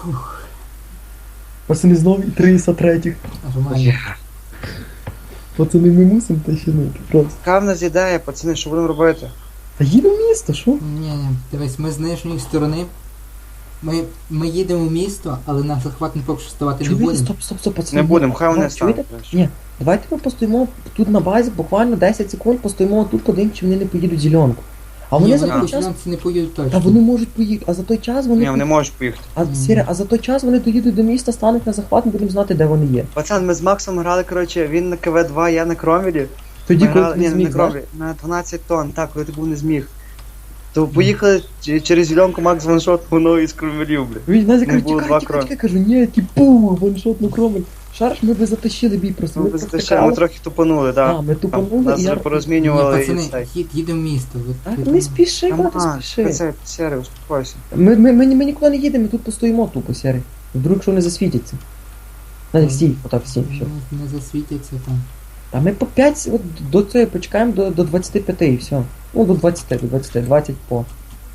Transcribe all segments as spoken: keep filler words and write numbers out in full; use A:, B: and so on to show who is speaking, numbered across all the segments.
A: Пацани, знову і триста третіх.
B: Нормально.
A: Пацани, ми мусимо тащинути просто.
C: Яка в нас ідея, пацани, що будемо робити?
A: Та їдемо в місто, що?
B: Ні, ні, дивись, ми з нижньої сторони. Ми, ми їдемо в місто, але на захват не поки що ставати не
A: Чуєте?
B: будемо.
A: Стоп, стоп, стоп, пацани.
C: Не будемо, хай вони
A: Давай,
C: стануть.
A: чуєте? Ні, давайте ми постоїмо тут на базі, буквально десять секунд, постоїмо тут, подивимось, чи вони не поїдуть в зеленку. А вони
B: Ні,
A: за
B: вони
A: той
B: по
A: час...
B: фінансі не поїдуть точно.
A: Та вони можуть поїхати, а за той час вони...
C: Ні, вони можуть поїхати.
A: А, Сіря, а за той час вони доїдуть до міста, стануть на захват, ми будемо знати, де вони є.
C: Пацан, ми з Максом грали, коротше, він на КВ два, я на Кромвелі.
A: Тоді,
C: Ми
A: коли
C: грали,
A: ти не
C: ні, не
A: зміг,
C: на
A: знаєш?
C: Кромвелі, на дванадцять тонн, так, коли ти був не зміг. То поїхали ч- через зеленку, Макс ваншот воно із Кромвелів, бля.
A: Він Назі
C: Не
A: каже,
C: було
A: тікай,
C: два
A: тікай,
C: кроки.
A: тікай, кажу, ні, типу, ваншот на кромель. Шарш, ми би затащили бій просто.
C: Ми
A: Ми
C: без
A: просто
C: ще, ми
A: крали.
C: трохи тупанули,
A: А,
C: так.
A: ми тупанули,
C: Нас
A: і я...
C: вже
B: Ні,
C: порозмінювали і
B: пацани,
C: цей.
B: їд, їдемо в місто. Ви-
A: Так,
B: ви-
A: не спіши,
C: Там,
A: брат, не
C: а,
A: спіши.
C: це, Сері, успокойся.
A: Ми, ми, ми, ми нікуди не їдемо, ми тут постоїмо тупо, Сірий. Вдруг що не засвітиться. Назі, стій, отак, стій, все.
B: Не, не засвітяться там.
A: А ми по п'ять, от до цього почекаємо до, до двадцяти п'яти і все. Ну, до двадцяти, до двадцяти, двадцять по.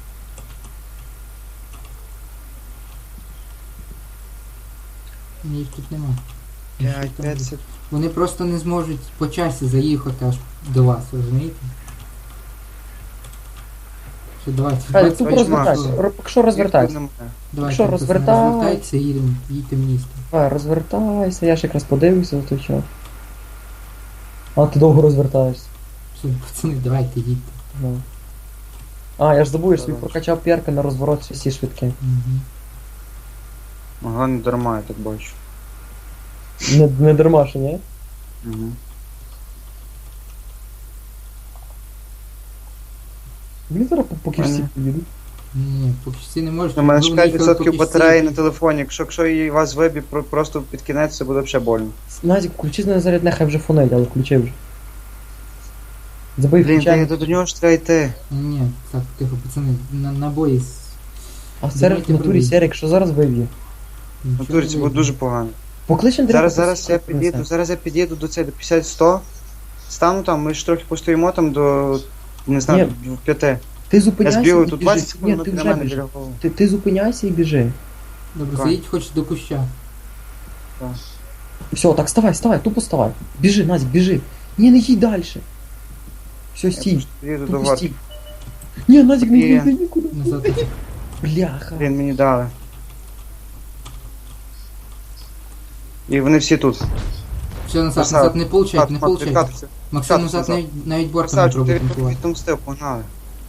B: Ні, їх тут нема.
C: п'ять, п'ять,
B: Вони просто не зможуть по часі заїхати аж до вас, розумієте? Що давайте,
A: Хай,
B: двадцять
A: тупо
C: бачиш,
A: розвертайся.
C: Макс.
A: Ро- Якщо розвертайся.
B: давайте,
A: що,
B: пацани,
A: розвертай.
B: розвертайтеся і їдемо, їдьте в місто.
A: Давай, розвертайся, я ж якраз подивився за той час. А ти довго розвертаєшся.
B: Все, пацани, давайте їдьте.
A: Ну. А, я ж забув, я ж собі
C: Давай.
A: прокачав перки на розворот всі швидкі.
B: Угу.
C: Ага, не дарма, я так бачу.
A: Не, не дарма, що ні?
C: Угу.
A: Мені зараз по- поки всі
C: Ага.
A: поїдуть.
B: Ні, поки що всі не можуть.
C: У мене
B: ви
C: ж п'ять
B: виїхали,
C: відсотків
B: поки всі-
C: батареї на телефоні, якщо, якщо її вас виб'є про- просто під кінець, це буде взагалі больно.
A: Назік, включи на зарядне, хай вже фонить, але включи вже. Забий
C: Блін, та
A: включай.
C: я до нього ж треба йти.
B: Ні, так, тихо, пацани, на, набої. з-
A: А в
B: Давайте
A: серед в натурі
B: пробуй.
A: Серік, що зараз виб'є?
C: На
B: Нічого
C: турі
B: не
C: це буде
B: вийде.
C: дуже погано.
A: Поклич Андрія.
C: Зараз,
A: попроси,
C: зараз я
A: хай принесе.
C: під'їду, зараз я під'їду до цього, до п'ятдесят сто. Стану там, ми ж трохи постоїмо там до, не знаю, до п'яти.
A: Ти
C: Я
A: зупиняйся
C: збігаю
A: і
C: тут
A: біжи.
C: двадцять секунд,
A: Ні,
C: воно
A: ти
C: біля
A: вже
C: мене
A: біжи.
C: біля голови.
A: Ти, ти зупиняйся і біжи.
B: Добре,
C: Так.
B: заїдь хоч до куща.
C: Так.
A: Все, так вставай, вставай, тупо вставай. Біжи, Назік, біжи. Ні, не їдь далі. Все,
C: Я
A: стій.
C: просто під'їду до
A: Тупо
C: горки.
A: стій. Ні, Назік, не
C: Ні.
A: йди нікуди.
B: Назад.
A: Бляха.
C: Блін, мені дали. І вони всі тут.
B: Все, назад,
C: Красава.
B: назад, не получать,
C: Кат,
B: не
C: Мак,
B: получать.
C: відкатуйся.
B: Максим
C: відкатуйся
B: назад
C: назад.
B: навіть, навіть бортом не
C: Красавчик,
B: пробує
C: ти
B: танкувати.
C: відомстив, погнали.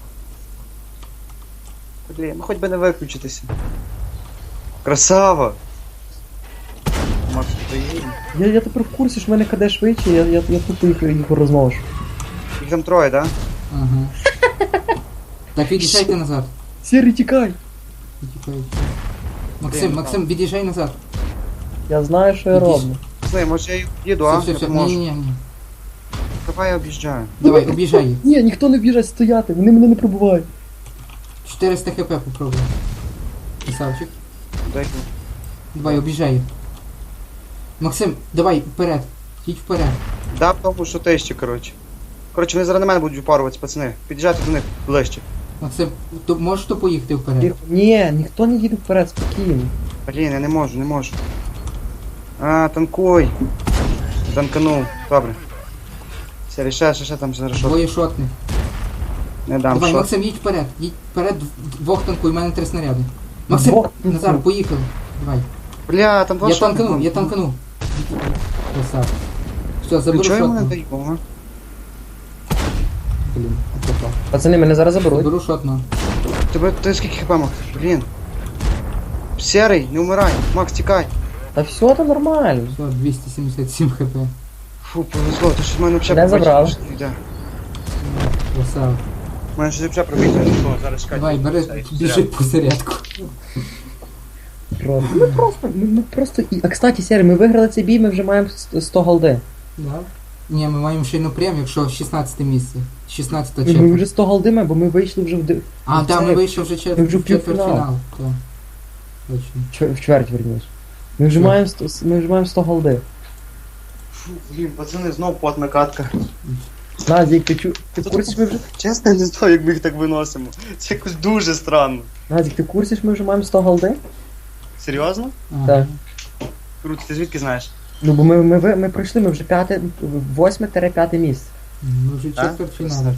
C: Блін, ну хоч би не виключитися. Красава! Макс, приїдемо.
A: Я, я тепер в курсі, що в мене КД швидше, я, я, я тупо їх, їх розношу.
C: Їх там троє, да?
B: Ага. Так, від'їжджайте назад.
A: Сірий, тікай.
B: Від'їжджайте. Максим,
C: Блін,
B: Максим, від'їжджай назад.
A: Я знаю, що я
B: Ідіть.
A: роблю.
C: Слухай, може я їх їду,
B: Все,
C: а?
B: все,
C: Я
B: все, ні,
C: поможу.
B: ні, ні.
C: Давай я об'їжджаю.
B: Давай, об'їжджай їх.
A: Ні, ніхто не біжать стояти, вони мене не пробувають.
B: чотириста хп попробуй. Красавчик.
C: Дай.
B: Давай, об'їжджай їх. Максим, давай, вперед. Їдь вперед.
C: Да, в тому, що ти ще, коротше. Коротше, вони зараз на мене будуть упаруватися, пацани. Під'їжджайте до них ближче.
B: Максим, то можеш то поїхати вперед?
A: Тихо. Ні, ніхто не їде вперед, спокійно.
C: Блін, я не можу, не можу. А, танкуй. Танканув. Добре. Все, ще, ще, ще там зараз що.
B: Двоє шотних.
C: Не дам,
B: Давай,
C: що.
B: Максим, їдь вперед. Їдь вперед, двох танкуй, у мене три снаряди. Максим,
A: Двох
B: Назар,
A: танкуй.
B: поїхали. Давай.
C: Бля, там два
B: Я
C: шотних
B: танканув,
C: було.
B: я танканув. Красавчик. Все, заберу
C: Нічого йому не
B: шотну.
C: даю, ага.
B: Блін, попав.
A: Пацани, мене зараз заберуть.
B: Заберу шотну.
C: Тебе, ти скільки хп, Макс? Блін. Серий, не вмирай. Макс, тікай.
A: Та все, то нормально.
B: Все, двісті сімдесят сім хп.
C: Фу, повезло, то що в мене взагалі
A: Не забрали.
C: йде.
B: Красава.
C: У мене щось взагалі пробігло. Що, зараз чекай.
B: Давай, бери, біжи по зарядку.
A: Просто. Ми просто, ми, ми просто... І... А, кстати, Сері, ми виграли цей бій, ми вже маємо сто голди.
B: Да? Ні, ми маємо ще й напрям, якщо шістнадцяте місце. шістнадцяте
A: Ми
B: четверть.
A: вже сто голди маємо, бо ми вийшли вже в... ди-
B: А,
A: в
B: так, ми
A: це-
B: вийшли вже чет...
A: Ми вже в
B: в четвертьфінал.
A: півфінал.
B: Так. Точно.
A: чвер- в чверть, верніше. Ми вже
B: Чверть.
A: маємо сто, ми вже маємо сто голди.
C: Фу, блін, пацани, знов потна катка.
A: Назік, ти, чу... ти в курсі, що ми вже...
C: Чесно, я не знаю, як ми їх так виносимо. Це якось дуже странно.
A: Назік, ти в курсі, що ми вже маємо сто голди?
C: Серйозно?
B: Ага.
A: Так.
C: Круто, ти звідки знаєш?
A: Ну бо ми, ми, ви- ми пройшли, ми вже п'яте, восьме-п'яте місце.
B: Ми вже
C: Так?
B: четвертьфіналі.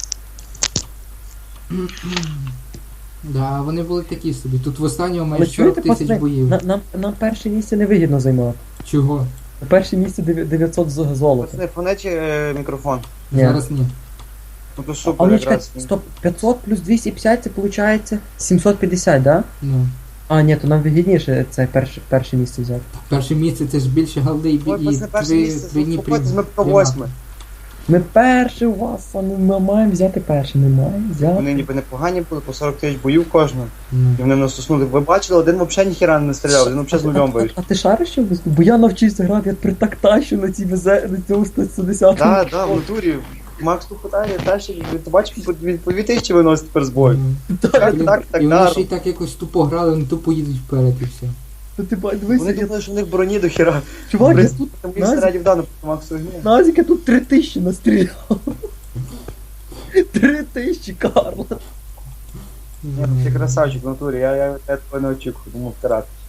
B: Да, вони були такі собі. Тут в останнього
A: Але
B: майже
A: чуєте,
B: сорок тисяч
A: пацани,
B: боїв.
A: на- нам, нам перше місце не вигідно займати.
B: Чого?
A: На перше місце дев'я- дев'ятсот з- золота.
C: Пацани, фонечі е, мікрофон.
A: Ні.
B: Зараз ні.
C: Ну то
A: А
C: супер
A: ну чекай,
C: якраз.
A: стоп, п'ятсот плюс двісті п'ятдесят це виходить сімсот п'ятдесят, да?
B: Ну.
A: А, ні, то нам вигідніше це перше, перше місце взяти.
B: Перше місце це ж більше голди і,
C: Ой,
B: і
C: пацани, перше
B: три,
C: місце,
B: три дні
C: заспокойтесь, ми по
B: прийма-
C: восьме.
A: Ми перше у вас, а ну ми маємо взяти перше, ми маємо взяти.
C: Вони ніби непогані були, по сорок тисяч боїв кожного.
B: Ну.
C: І вони нас уснули. Ви бачили, один взагалі ніхіра не стріляв, один взагалі з
A: А-
C: нульом
A: а,
C: вийшов.
A: а, а ти шариш що виступ? Бо я навчився грати, я при так тащу на цій везе, на цьому сто сімдесят.
C: Так, так, в натурі. Макс тут питає, тащить, ти бачиш, він по дві тисячі виносить тепер з бою.
B: Ну.
C: Так,
B: Блін,
C: так, так,
B: і вони
C: так.
B: ще й так якось тупо грали, вони тупо їдуть вперед і все.
A: Ну ти ба- дивися,
C: Вони
A: я-
C: думали, що в них броні до хіра.
A: чувак, я тут
C: Тому і
A: Назік-
C: снарядів дано по Максу гні.
A: Назік, я тут три тисячі настріляв. Три тисячі, Карла.
C: Ти красавчик в натурі, я, я, я тебе не очікую, тому втирати.